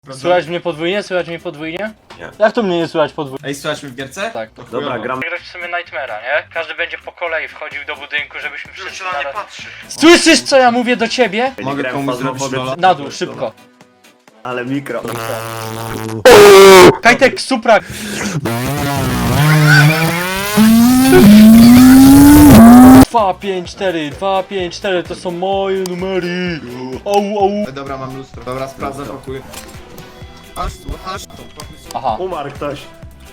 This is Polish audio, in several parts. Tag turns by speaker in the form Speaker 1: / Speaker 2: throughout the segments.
Speaker 1: Słychać mnie podwójnie? Słychać mnie podwójnie?
Speaker 2: Nie.
Speaker 1: Jak to mnie nie słychać podwójnie?
Speaker 3: Ej, słuchaj w gierce?
Speaker 1: Tak.
Speaker 3: To
Speaker 2: Dobra,
Speaker 3: chujowo.
Speaker 2: gram.
Speaker 1: Grać w sumie Nightmare'a, nie? Każdy będzie po kolei wchodził do budynku, żebyśmy wszyscy
Speaker 4: na nie
Speaker 1: naraz...
Speaker 4: patrzy.
Speaker 1: Słyszysz co ja mówię do ciebie?
Speaker 2: Ja nie
Speaker 3: Mogę
Speaker 2: grałem
Speaker 3: komuś
Speaker 2: w
Speaker 3: zrobić
Speaker 2: Phasmophobia
Speaker 3: rola?
Speaker 1: Na dół, szybko.
Speaker 2: Ale mikro.
Speaker 1: Kajtek, Suprak! 2, 5, 4, 2, 5, 4 to są moje numery. Au, au.
Speaker 3: Dobra, mam lustro. Dobra, sprawdzę pokój. Aż to, pokój.
Speaker 1: Aha.
Speaker 2: Umarł ktoś.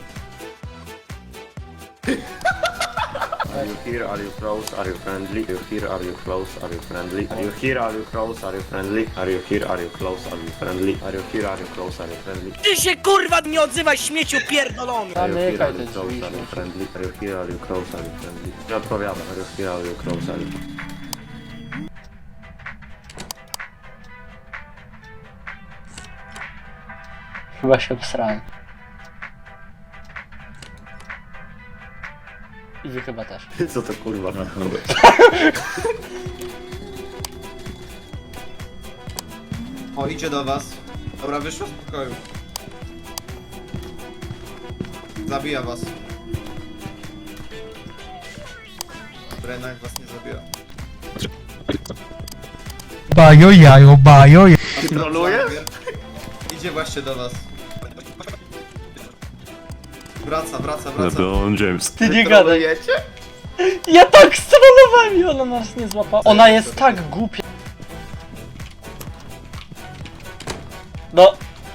Speaker 2: Are you here? Are you close? Are you friendly? Are you here? Are you close? Are you friendly? Are you here? Are you close? Are you friendly? Are you here? Are you close? Are you friendly? Are you here? Are you close? Are you friendly?
Speaker 5: Ty się kurwa nie odzywaj, śmieciu pierdolony!
Speaker 2: Are you here?
Speaker 1: Zamykaj
Speaker 2: Are
Speaker 1: te
Speaker 2: you close?
Speaker 1: drzwi.
Speaker 2: Are you friendly? Are you here? Are you close? Are you friendly? Nie odpowiadam. Are you here? Are you close? Are you...
Speaker 1: Chyba się obsrałem. I wy chyba też.
Speaker 2: Co to kurwa?
Speaker 3: O, idzie do was. Dobra, wyszło z pokoju. Zabija was. Dobra, jednak was nie zabija.
Speaker 6: Bajo jajo, bajo jajo.
Speaker 2: Troluje?
Speaker 3: Idzie właśnie do was. Wraca.
Speaker 2: LeBron James.
Speaker 1: Ty nie gadaj.
Speaker 2: Trolujecie?
Speaker 1: Ja tak strollowałem i ona nas nie złapała. Ona jest tak głupia. No.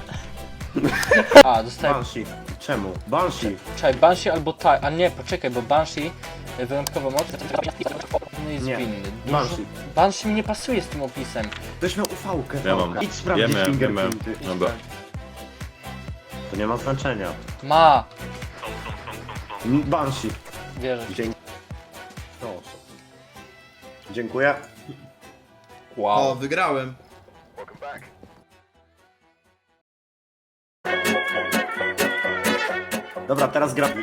Speaker 1: A, dostałem...
Speaker 2: Banshee. Czemu? Banshee.
Speaker 1: Czekaj, Banshee albo tak, a nie, poczekaj, bo Banshee wyjątkowo moc jest
Speaker 2: Nie.
Speaker 1: winny.
Speaker 2: Banshee.
Speaker 1: Banshee mi nie pasuje z tym opisem.
Speaker 2: Ktoś miał ufałkę.
Speaker 7: Ja mam.
Speaker 2: Idź sprawdzić
Speaker 7: Ja miałem,
Speaker 2: fingerprinty.
Speaker 7: Dobra.
Speaker 2: To nie ma znaczenia.
Speaker 1: Ma,
Speaker 2: Banshee.
Speaker 1: wierzę.
Speaker 2: Dzięki. Proszę. Dziękuję.
Speaker 3: O, wygrałem.
Speaker 2: Dobra, teraz gra.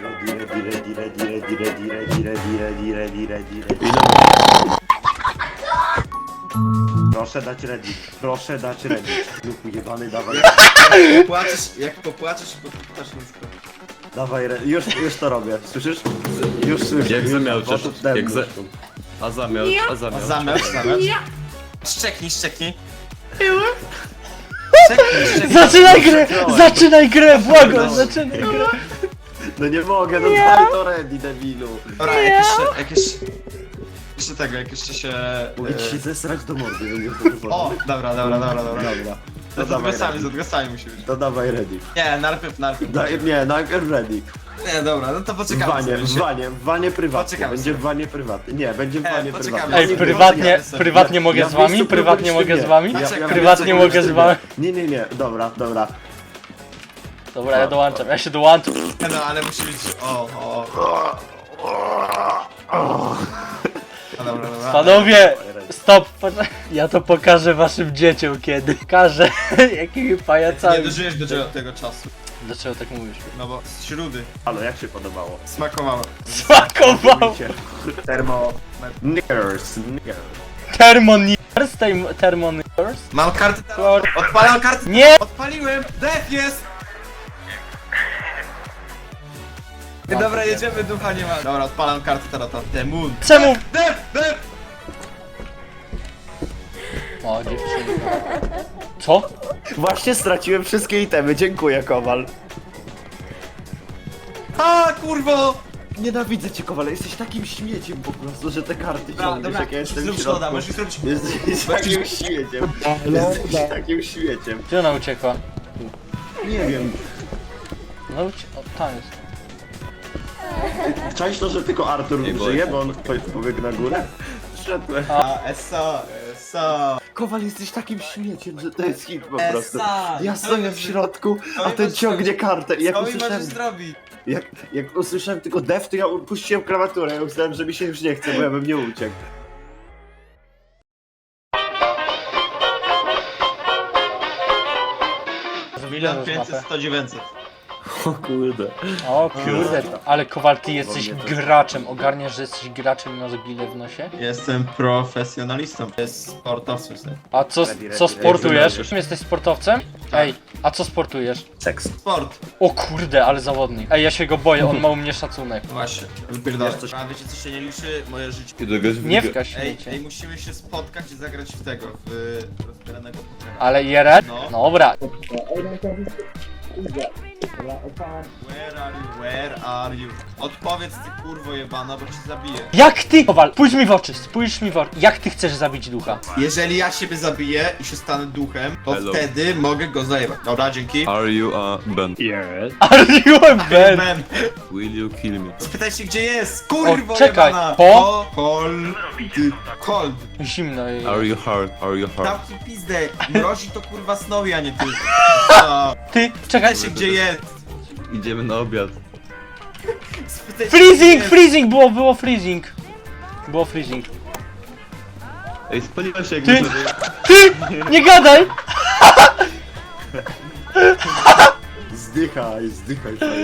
Speaker 2: Proszę dać ready. Proszę dać ready. Lub jebany, dawaj.
Speaker 3: Jak popłaczesz, podpytasz nóżkę.
Speaker 2: Dawaj ready. Już to robię. Słyszysz? Już słyszę.
Speaker 7: Jak
Speaker 2: Już
Speaker 7: zamiał,
Speaker 2: poszedł
Speaker 7: czy-
Speaker 2: ten
Speaker 7: jak za-
Speaker 2: nóżką.
Speaker 7: A zamiar.
Speaker 3: Zamiast. Szczeknij.
Speaker 1: Zaczynaj grę, błagam, zaczynaj grę.
Speaker 2: No nie mogę, no daj to ready, debilu.
Speaker 3: Dobra, jak jeszcze się...
Speaker 2: Mogę ci się zesrać do mordy, będziesz to wywołał.
Speaker 3: O, dobra.
Speaker 2: Dobra.
Speaker 3: To
Speaker 2: To dawaj
Speaker 3: z
Speaker 2: ready.
Speaker 3: odgłosami musi być.
Speaker 2: To dawaj ready.
Speaker 3: Nie, najpierw.
Speaker 2: Nie, najpierw ready.
Speaker 3: Nie, dobra, no to poczekamy.
Speaker 2: W wanie prywatnie.
Speaker 3: Poczekamy
Speaker 2: Będzie
Speaker 3: sobie.
Speaker 2: w wanie prywatnie. Nie, będzie w wanie
Speaker 3: poczekamy
Speaker 2: prywatnie.
Speaker 1: Ej, prywatnie mogę z wami? Prywatnie mogę z wami? Prywatnie mogę z wami?
Speaker 2: Nie, dobra.
Speaker 1: Dobra, ja dołączam, ja się dołączam.
Speaker 3: No, ale musi być... O. No, dobra.
Speaker 1: Panowie, stop, ja to pokażę waszym dzieciom kiedy. Pokażę, jakimi
Speaker 3: Nie
Speaker 1: pajacami.
Speaker 3: dożyjesz do tego czasu.
Speaker 1: Dlaczego tak mówisz?
Speaker 3: No bo z śrudy
Speaker 2: Halo, jak się podobało?
Speaker 3: smakowało.
Speaker 1: Smakował!
Speaker 2: Termo... Niggers.
Speaker 1: Thermoniers?
Speaker 3: Mam kartę teraz. Odpalam kartę.
Speaker 1: Nie!
Speaker 3: Odpaliłem. Def jest. Dobra, jedziemy, ducha nie ma. Dobra, odpalam kartę teraz. Demon.
Speaker 1: Czemu?
Speaker 3: Def!
Speaker 1: O, dziewczynka. Co?
Speaker 2: Właśnie straciłem wszystkie itemy, dziękuję Kowal.
Speaker 3: A, kurwo!
Speaker 2: Nienawidzę cię Kowal, jesteś takim śmieciem po prostu, że te karty ciągniesz jak ja jestem
Speaker 3: zrób
Speaker 2: w
Speaker 3: szkoda,
Speaker 2: środku.
Speaker 3: możesz zrobić...
Speaker 2: Jesteś takim śmieciem. Jesteś takim śmieciem.
Speaker 1: Gdzie ona uciekła?
Speaker 2: Nie wiem.
Speaker 1: No o, tam jest.
Speaker 2: Czaisz to, że tylko Artur żyje, bo on pobiegł na górę? Wszedłem.
Speaker 3: A, eso.
Speaker 2: Kowal, jesteś takim śmieciem, że to jest hit po prostu.
Speaker 3: Esa,
Speaker 2: Ja
Speaker 3: to
Speaker 2: stoję
Speaker 3: jest-
Speaker 2: w środku,
Speaker 3: to
Speaker 2: a
Speaker 3: mi
Speaker 2: ten
Speaker 3: możesz
Speaker 2: ciągnie kartę. I jak
Speaker 3: Co mi
Speaker 2: usłyszałem,
Speaker 3: możesz zrobić?
Speaker 2: jak usłyszałem tylko def, to ja puściłem klawiaturę. Ja myślałem, że mi się już nie chce, bo ja bym nie uciekł.
Speaker 1: Ile masz
Speaker 3: 500,
Speaker 1: mapę?
Speaker 3: 100, 900.
Speaker 2: O kurde.
Speaker 1: O kurde, ale Kowal, ty jesteś graczem. Ogarniasz, że jesteś graczem i masz gilę w nosie?
Speaker 3: Jestem profesjonalistą. Jest sportowcem.
Speaker 1: A co sportujesz? Jesteś sportowcem? Ej, a co sportujesz?
Speaker 2: Seks.
Speaker 3: Sport.
Speaker 1: O kurde, ale zawodnik. Ej, ja się go boję, on ma u mnie szacunek.
Speaker 3: Właśnie. Wypierdolę. A wiecie co się nie liczy? Moje życie.
Speaker 1: Nie wkaź
Speaker 3: Ej,
Speaker 1: śmiecie.
Speaker 3: musimy się spotkać i zagrać w tego, w rozbieranego pokera.
Speaker 1: Ale Jeret?
Speaker 3: No.
Speaker 1: Dobra.
Speaker 3: Where are you? Odpowiedz ty kurwo jebana, bo cię zabiję.
Speaker 1: Jak ty, Kowal, spójrz mi w oczy, spójrz mi w oczy. Jak ty chcesz zabić ducha?
Speaker 3: Jeżeli ja siebie zabiję i się stanę duchem, to wtedy mogę go zajebać. Dobra, dzięki.
Speaker 4: Are you a Ben?
Speaker 1: Are you a man?
Speaker 3: Man.
Speaker 4: Will you kill me?
Speaker 3: Spytajcie gdzie jest, kurwo
Speaker 1: O, czekaj,
Speaker 3: jebana. Cold.
Speaker 1: Zimno jej.
Speaker 4: Are you hard? Are you hard?
Speaker 3: Dam ci pizdę, mrozi to kurwa Snowy, a nie ty. O,
Speaker 1: Ty, czekaj.
Speaker 3: Spytajcie gdzie jest.
Speaker 4: Idziemy na obiad.
Speaker 3: Spytajcie,
Speaker 1: Freezing,
Speaker 3: gdzie jest.
Speaker 1: freezing, było freezing. Było freezing.
Speaker 4: Ej, spaliła się jak
Speaker 1: Ty-
Speaker 4: sobie.
Speaker 1: Ty, nie gadaj!
Speaker 2: Zdychaj, zdychaj, fajnie,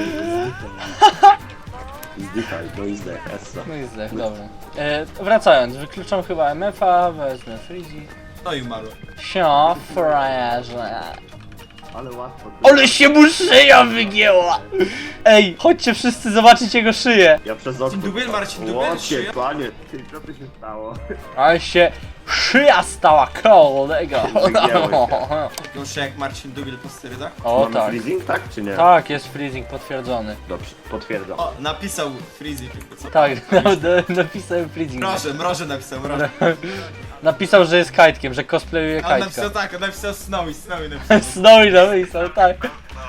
Speaker 2: zdychaj, no i zdech, essa.
Speaker 1: No i zdech, dobra. Wracając, wykluczam chyba MF-a, wezmę freezing.
Speaker 3: No i umarł.
Speaker 1: Sio, frajerze.
Speaker 2: Ale łatwo.
Speaker 1: Ale się mu szyja wygięła! Ej, chodźcie wszyscy zobaczyć jego szyję.
Speaker 2: Ja przez okno...
Speaker 3: Dubiel, Marcin Dubiel,
Speaker 2: Łocie,
Speaker 3: szyja?
Speaker 2: panie, ty, co tu się stało?
Speaker 1: Ale się szyja stała kolego.
Speaker 2: Wygięło
Speaker 3: Gorzej jak Marcin Dubiel po sterydach.
Speaker 1: O
Speaker 2: Mamy
Speaker 1: tak.
Speaker 2: freezing, tak czy nie?
Speaker 1: Tak, jest freezing potwierdzony.
Speaker 2: Dobrze, potwierdzam.
Speaker 3: O, napisał Freezy tylko co?
Speaker 1: Tak, napisałem freezing.
Speaker 3: Mroże napisał, mroże.
Speaker 1: Napisał, że jest kajtkiem, że cosplayuje
Speaker 3: A on napisał
Speaker 1: kajtka.
Speaker 3: tak, on napisał Snowy napisał.
Speaker 1: Snowy napisał, tak.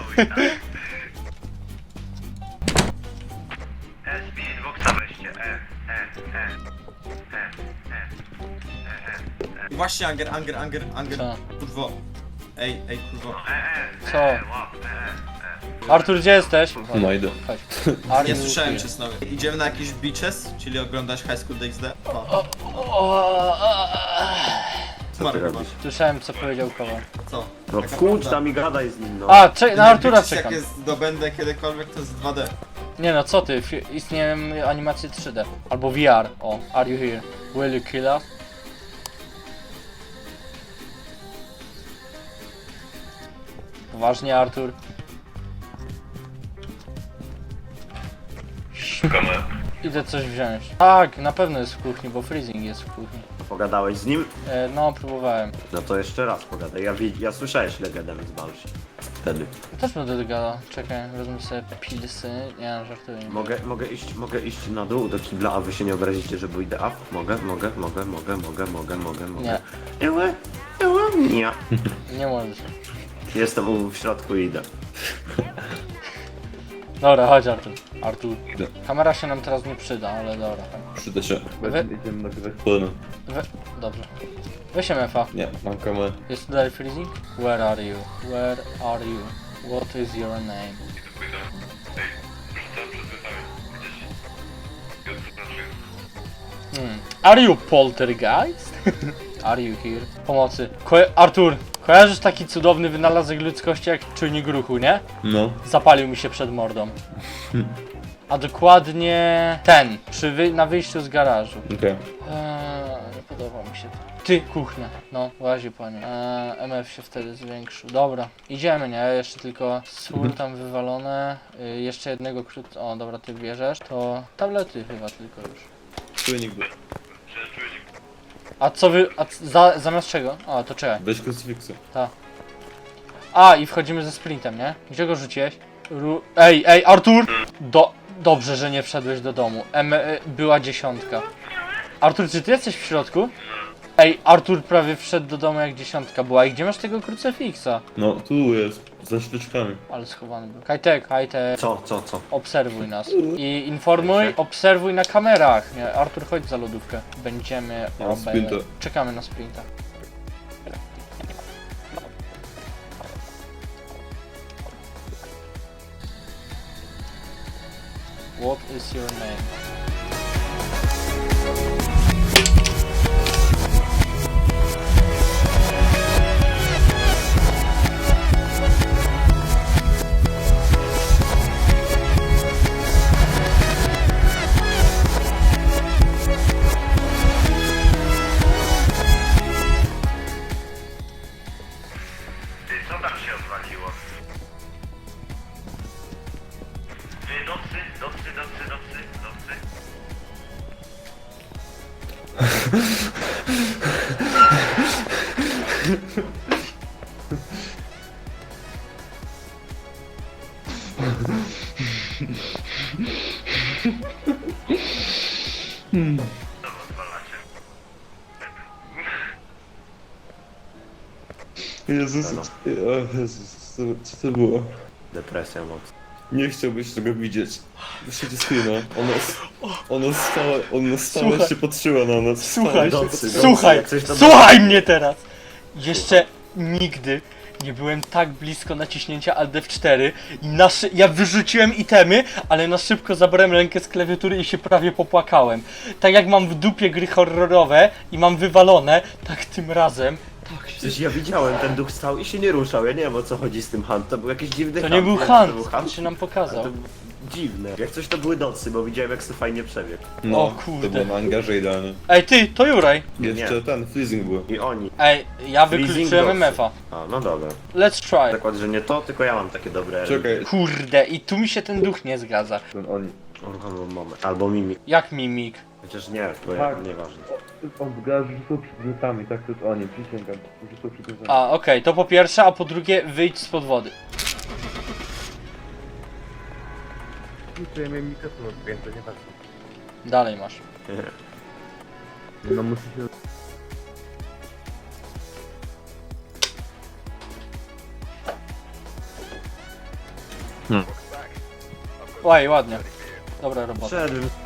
Speaker 3: Właśnie Anger,
Speaker 1: Co?
Speaker 3: kurwo. Ej, kurwo.
Speaker 1: Co? Artur, gdzie jesteś?
Speaker 4: No idę.
Speaker 1: Chodź. Are
Speaker 3: Nie
Speaker 1: you
Speaker 3: słyszałem
Speaker 1: here?
Speaker 3: cię Snowy. Idziemy na jakiś beaches, czyli oglądać High School DxD. O,
Speaker 2: Co ty
Speaker 3: Marek,
Speaker 2: robisz?
Speaker 1: Słyszałem, co powiedział Kowal.
Speaker 3: co?
Speaker 2: No
Speaker 3: Taka
Speaker 2: wkłucz
Speaker 3: prawda.
Speaker 2: tam i gadaj z nim, no.
Speaker 1: A, na Artura
Speaker 3: Beaches,
Speaker 1: czekam.
Speaker 3: Jak jest zdobędę kiedykolwiek, to jest 2D.
Speaker 1: Nie no, co ty? Istnieją animacje 3D. Albo VR. O, are you here? Will you kill us? Poważnie, Artur? Idę coś wziąć. Tak, na pewno jest w kuchni, bo freezing jest w kuchni.
Speaker 2: Pogadałeś z nim?
Speaker 1: No, próbowałem.
Speaker 2: No to jeszcze raz pogadaj. Ja słyszałeś legendę z Balsi. Wtedy.
Speaker 1: Też będę gadał. Czekaj, wezmę sobie pilsy. Nie, żartuję.
Speaker 2: Mogę iść na dół do kibla, a wy się nie obrazicie, że pójdę up? Mogę.
Speaker 1: Nie,
Speaker 2: Nie.
Speaker 1: nie możesz.
Speaker 2: Jestem w środku i idę.
Speaker 1: Dobra, chodź Artur. Artur.
Speaker 4: Idę.
Speaker 1: Kamera się nam teraz nie przyda, ale dobra.
Speaker 4: Przyda się.
Speaker 1: We-
Speaker 4: Idziemy na chwilę. Podobno.
Speaker 1: Dobrze. Weź MF-a.
Speaker 4: Nie, mam kamerę.
Speaker 1: Jest tutaj freezing? Where are you? Where are you? What is your name? Are you poltergeist? Are you here? Pomocy. Artur, kojarzysz taki cudowny wynalazek ludzkości jak czujnik ruchu, nie?
Speaker 4: No.
Speaker 1: Zapalił mi się przed mordą. A dokładnie ten, na wyjściu z garażu.
Speaker 4: Okej.
Speaker 1: Nie podoba mi się to. Ty, kuchnia. No, łazi panie. MF się wtedy zwiększył. Dobra, idziemy, nie? Jeszcze tylko sól tam wywalone. Jeszcze jednego O, dobra, ty bierzesz. To tablety chyba tylko już.
Speaker 4: Czujnik był.
Speaker 1: A co zamiast czego? O, to czekaj.
Speaker 4: Weź krucyfiksu.
Speaker 1: A, i wchodzimy ze sprintem, nie? Gdzie go rzuciłeś? Ej, Artur! Dobrze, że nie wszedłeś do domu. Była 10. Artur, czy ty jesteś w środku? Ej, Artur prawie wszedł do domu jak 10 była. I gdzie masz tego krucyfiksa?
Speaker 4: No, tu jest. Za świeczkami.
Speaker 1: Ale schowany był. Hajtek,
Speaker 2: Co?
Speaker 1: obserwuj nas. I informuj, obserwuj na kamerach. Nie, Artur, chodź za lodówkę. Będziemy
Speaker 4: sprinta.
Speaker 1: Czekamy na sprinta. What is your name?
Speaker 4: Jezus, o Jezus, co to było?
Speaker 2: Depresja moc.
Speaker 4: Nie chciałbyś tego widzieć. Wyszedł z screena. Ona stała
Speaker 1: Słuchaj.
Speaker 4: się patrzyła na nas.
Speaker 1: Słuchaj,
Speaker 4: Stała się
Speaker 1: słuchaj,
Speaker 2: jak coś to
Speaker 1: słuchaj mnie teraz! Jeszcze nigdy nie byłem tak blisko naciśnięcia Alt F4 i ja wyrzuciłem itemy, ale na szybko zabrałem rękę z klawiatury i się prawie popłakałem. Tak jak mam w dupie gry horrorowe i mam wywalone, tak tym razem, tak się...
Speaker 2: Przecież ja widziałem, ten duch stał i się nie ruszał. Ja nie wiem o co chodzi z tym hunt. To był jakiś dziwny
Speaker 1: To
Speaker 2: hunt.
Speaker 1: nie był
Speaker 2: To
Speaker 1: hunt,
Speaker 2: był
Speaker 1: to się nam pokazał.
Speaker 2: To dziwne. Jak coś to były docy, bo widziałem jak to fajnie przebiegł.
Speaker 4: No,
Speaker 1: O kurde.
Speaker 4: to było na angarze idealnie.
Speaker 1: Ej ty, to Juraj!
Speaker 4: Jeszcze ten, freezing był.
Speaker 2: I oni.
Speaker 1: Ej, ja
Speaker 2: Freezing
Speaker 1: wykluczyłem
Speaker 2: docy.
Speaker 1: MF-a.
Speaker 2: A, no dobra.
Speaker 1: Let's try.
Speaker 2: Zakład, że nie to, tylko ja mam takie dobre.
Speaker 4: Czekaj,
Speaker 1: Kurde, i tu mi się ten duch nie zgadza.
Speaker 4: ten oni.
Speaker 2: Albo moment. Albo mimik.
Speaker 1: Jak mimik?
Speaker 2: Chociaż nie, bo
Speaker 4: Tak.
Speaker 2: nieważne.
Speaker 4: On zgadza, że są przedmiotami, tak to jest oni, przysięgam, że są przedmiotami.
Speaker 1: A, okej, to po pierwsze, a po drugie, wyjdź spod wody.
Speaker 7: To ja miałem mikrofon odpięty, nie patrzę.
Speaker 1: Dalej masz.
Speaker 7: No musi się...
Speaker 1: Oj, ładnie. Dobra robota.
Speaker 2: Wszedłem.